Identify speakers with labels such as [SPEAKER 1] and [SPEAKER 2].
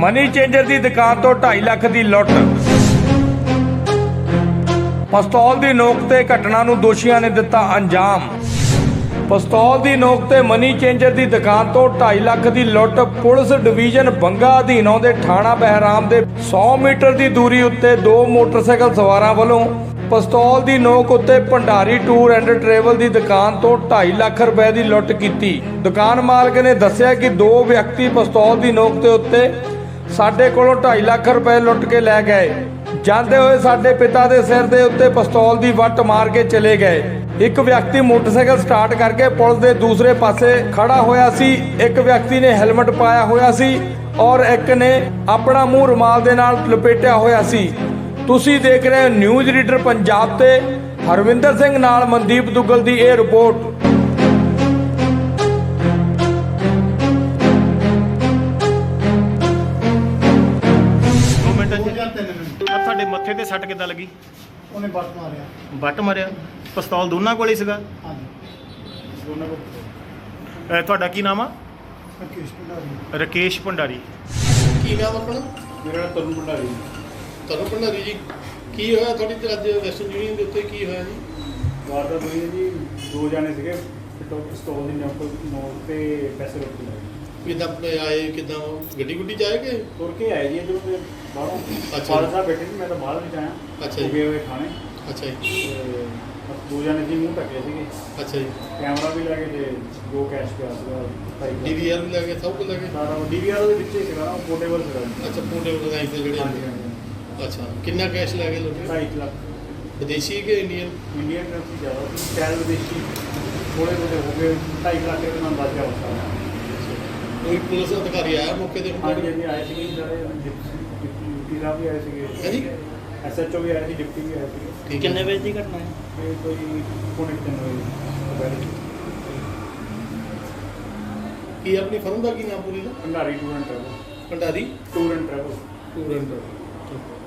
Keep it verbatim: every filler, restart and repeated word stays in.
[SPEAKER 1] Money changer ਦੀ ਦੁਕਾਨ ਤੋਂ ਢਾਈ ਲੱਖ ਦੀ ਲੁੱਟ। ਪਿਸਤੌਲ ਦੀ ਨੋਕ ਤੇ ਘਟਨਾ ਨੂੰ ਦੋਸ਼ੀਆਂ ਨੇ ਦਿੱਤਾ ਅੰਜਾਮ। ਪਿਸਤੌਲ ਦੀ ਨੋਕ ਤੇ ਮਨੀ ਚੇਂਜਰ ਦੀ ਦੁਕਾਨ ਤੋਂ ਢਾਈ ਲੱਖ ਦੀ ਲੁੱਟ। ਪੁਲਿਸ ਡਿਵੀਜ਼ਨ ਬੰਗਾ ਅਧੀਨ ਆਉਂਦੇ ਥਾਣਾ ਬਹਿਰਾਮ ਦੇ ਸੌ ਮੀਟਰ ਦੀ ਦੂਰੀ ਉੱਤੇ ਦੋ ਮੋਟਰਸਾਈਕਲ ਸਵਾਰਾਂ ਵੱਲੋਂ ਪਿਸਤੌਲ ਦੀ ਨੋਕ ਉੱਤੇ ਭੰਡਾਰੀ ਟੂਰ ਐਂਡ ਟਰੈਵਲ ਦੀ ਦੁਕਾਨ ਤੋਂ ਢਾਈ ਲੱਖ ਰੁਪਏ ਦੀ ਲੁੱਟ ਕੀਤੀ। ਦੁਕਾਨ ਮਾਲਕ ਨੇ ਦੱਸਿਆ ਕਿ ਦੋ ਵਿਅਕਤੀ ਪਿਸਤੌਲ ਦੀ ਨੋਕ ਦੇ ਉੱਤੇ ਸਾਡੇ ਕੋਲੋਂ ਢਾਈ ਲੱਖ ਰੁਪਏ ਲੁੱਟ ਕੇ ਲੈ ਗਏ। ਜਾਂਦੇ ਹੋਏ ਸਾਡੇ ਪਿਤਾ ਦੇ ਸਿਰ ਦੇ ਉੱਤੇ ਪਿਸਤੌਲ ਦੀ ਵੱਟ ਮਾਰ ਕੇ ਚਲੇ ਗਏ। ਇੱਕ ਵਿਅਕਤੀ ਮੋਟਰਸਾਈਕਲ ਸਟਾਰਟ ਕਰਕੇ ਪੁਲਿਸ ਦੇ ਦੂਸਰੇ ਪਾਸੇ ਖੜਾ ਹੋਇਆ ਸੀ। ਇੱਕ ਵਿਅਕਤੀ ਨੇ ਹੈਲਮਟ ਪਾਇਆ ਹੋਇਆ ਸੀ ਔਰ ਇੱਕ ਨੇ ਆਪਣਾ ਮੂੰਹ ਰੁਮਾਲ ਦੇ ਨਾਲ ਲਪੇਟਿਆ ਹੋਇਆ ਸੀ। ਤੁਸੀਂ ਦੇਖ ਰਹੇ ਹੋ ਨਿਊਜ਼ ਰੀਡਰ ਪੰਜਾਬ ਤੇ ਹਰਵਿੰਦਰ ਸਿੰਘ ਨਾਲ ਮਨਦੀਪ ਦੁੱਗਲ ਦੀ ਇਹ ਰਿਪੋਰਟ।
[SPEAKER 2] ਦੋ ਮਿੰਟ ਜੀ ਆ ਤੁਹਾਡੇ ਮੱਥੇ ਤੇ ਸੱਟ ਕਿੱਦਾਂ ਲੱਗੀ?
[SPEAKER 3] ਉਹਨੇ ਬੱਟ ਮਾਰਿਆ।
[SPEAKER 2] ਬੱਟ ਮਾਰਿਆ? ਪਿਸਤੌਲ ਦੋਨਾਂ ਕੋਲ ਹੀ ਸੀਗਾ?
[SPEAKER 3] ਹਾਂਜੀ ਦੋਨਾਂ ਕੋਲ।
[SPEAKER 2] ਅਹ ਤੁਹਾਡਾ ਕੀ ਨਾਮ ਆ?
[SPEAKER 3] ਰਕੇਸ਼ ਭੰਡਾਰੀ।
[SPEAKER 2] ਰਕੇਸ਼ ਭੰਡਾਰੀ।
[SPEAKER 4] ਕੀ ਨਾਮ ਆਪਣਾ?
[SPEAKER 3] ਮੇਰਾ ਨਾਮ ਤਰੁਣ ਭੰਡਾਰੀ।
[SPEAKER 4] ਤਰੁਣ ਭੰਡਾਰੀ ਜੀ, ਕੀ ਹੋਇਆ ਤੁਹਾਡੀ ਤੇ ਅੱਜ ਵੈਸਟਰਨ ਯੂਨੀਅਨ ਦੇ ਉੱਤੇ ਕੀ ਹੋਇਆ ਜੀ?
[SPEAKER 3] ਵਾਰਦਾਤ ਹੋਈ ਹੈ ਜੀ, ਦੋ ਜਾਣੇ ਸੀਗੇ ਪਿਸਤੌਲ ਦੀ ਨੋਕ ਨੋਕ ਤੇ ਪੈਸੇ ਰੁਕ ਗਏ।
[SPEAKER 4] ਕਿੱਦਾਂ ਆਏ, ਕਿੱਦਾਂ ਗੱਡੀ ਗੁੱਡੀ 'ਚ ਆਏ ਕਿ?
[SPEAKER 3] ਤੁਰ ਕੇ ਆਏ ਜੀ ਜਦੋਂ ਮੈਂ ਬਾਹਰੋਂ।
[SPEAKER 4] ਅੱਛਾ।
[SPEAKER 3] ਫਾਦਰ ਸਾਹਿਬ ਬੈਠੇ ਸੀ, ਮੈਂ ਤਾਂ ਬਾਹਰ ਵਿੱਚ ਆਇਆ।
[SPEAKER 4] ਅੱਛਾ ਜੀ।
[SPEAKER 3] ਗਏ ਹੋਏ ਖਾਣੇ।
[SPEAKER 4] ਅੱਛਾ ਜੀ।
[SPEAKER 3] ਤੇ ਬਸ ਦੋ ਜਾਣੇ ਸੀ, ਮੂੰਹ ਢੱਕੇ ਸੀਗੇ।
[SPEAKER 4] ਅੱਛਾ ਜੀ।
[SPEAKER 3] ਕੈਮਰਾ ਵੀ ਲੈ ਕੇ ਤੇ ਦੋ ਕੈਸ਼ ਪਿਆ ਸੀਗਾ।
[SPEAKER 4] ਡੀ ਵੀ ਆਰ ਵੀ ਲੈ ਗਏ, ਸਭ ਕੁਝ ਲੈ ਗਏ?
[SPEAKER 3] ਸਾਰਾ ਡੀ ਵੀ ਆਰ ਦੇ ਵਿੱਚ ਹੀ ਸੀਗਾ ਨਾ, ਪੋਰਟੇਬਲ ਸੀਗਾ।
[SPEAKER 4] ਅੱਛਾ, ਪੋਰਟੇਬਲ ਲਗਾਈ ਤੇ ਜਿਹੜੇ?
[SPEAKER 3] ਹਾਂਜੀ ਹਾਂਜੀ।
[SPEAKER 4] ਅੱਛਾ, ਕਿੰਨਾ ਕੈਸ਼ ਲੈ ਗਏ ਲੋਕ?
[SPEAKER 3] ਢਾਈ ਲੱਖ।
[SPEAKER 4] ਵਿਦੇਸ਼ੀ ਕਿ ਇੰਡੀਅਨ?
[SPEAKER 3] ਇੰਡੀਅਨ ਕਰੰਸੀ ਜ਼ਿਆਦਾ ਸੀ, ਸ਼ਾਇਦ ਵਿਦੇਸ਼ੀ ਥੋੜ੍ਹੇ ਬਹੁਤੇ ਹੋ ਗਏ। ਢਾਈ ਲੱਖ ਦੇ ਨਾਲ ਬਚ ਗਿਆ ਹੁੰਦਾ।
[SPEAKER 4] ਕੋਈ ਪੁਲਿਸ ਅਧਿਕਾਰੀ ਆਇਆ ਮੌਕੇ ਤੇ?
[SPEAKER 3] ਹਾਂਜੀ ਹਾਂਜੀ ਆਏ ਸੀਗੇ ਸਾਰੇ, ਡਿਪਟੀ ਸਾਹਿਬ ਵੀ ਆਏ ਸੀਗੇ।
[SPEAKER 4] ਹਾਂਜੀ।
[SPEAKER 3] ਐਸ ਐਚ ਓ ਵੀ ਆਏ ਸੀ, ਡਿਪਟੀ ਵੀ ਆਏ ਸੀਗੇ।
[SPEAKER 4] ਠੀਕ।
[SPEAKER 5] ਕਿੰਨੇ ਵਜੇ ਦੀ ਘਟਨਾ ਹੈ?
[SPEAKER 3] ਇਹ ਕੋਈ ਪੌਣੇ ਤਿੰਨ ਵਜੇ।
[SPEAKER 4] ਕੀ ਆਪਣੀ ਫਰਮ ਦਾ ਕੀ ਨਾਮ ਪੂਰੀ ਦਾ?
[SPEAKER 3] Bhandari tour and travel.
[SPEAKER 4] Bhandari
[SPEAKER 3] tour and travel.
[SPEAKER 4] Tour and travel.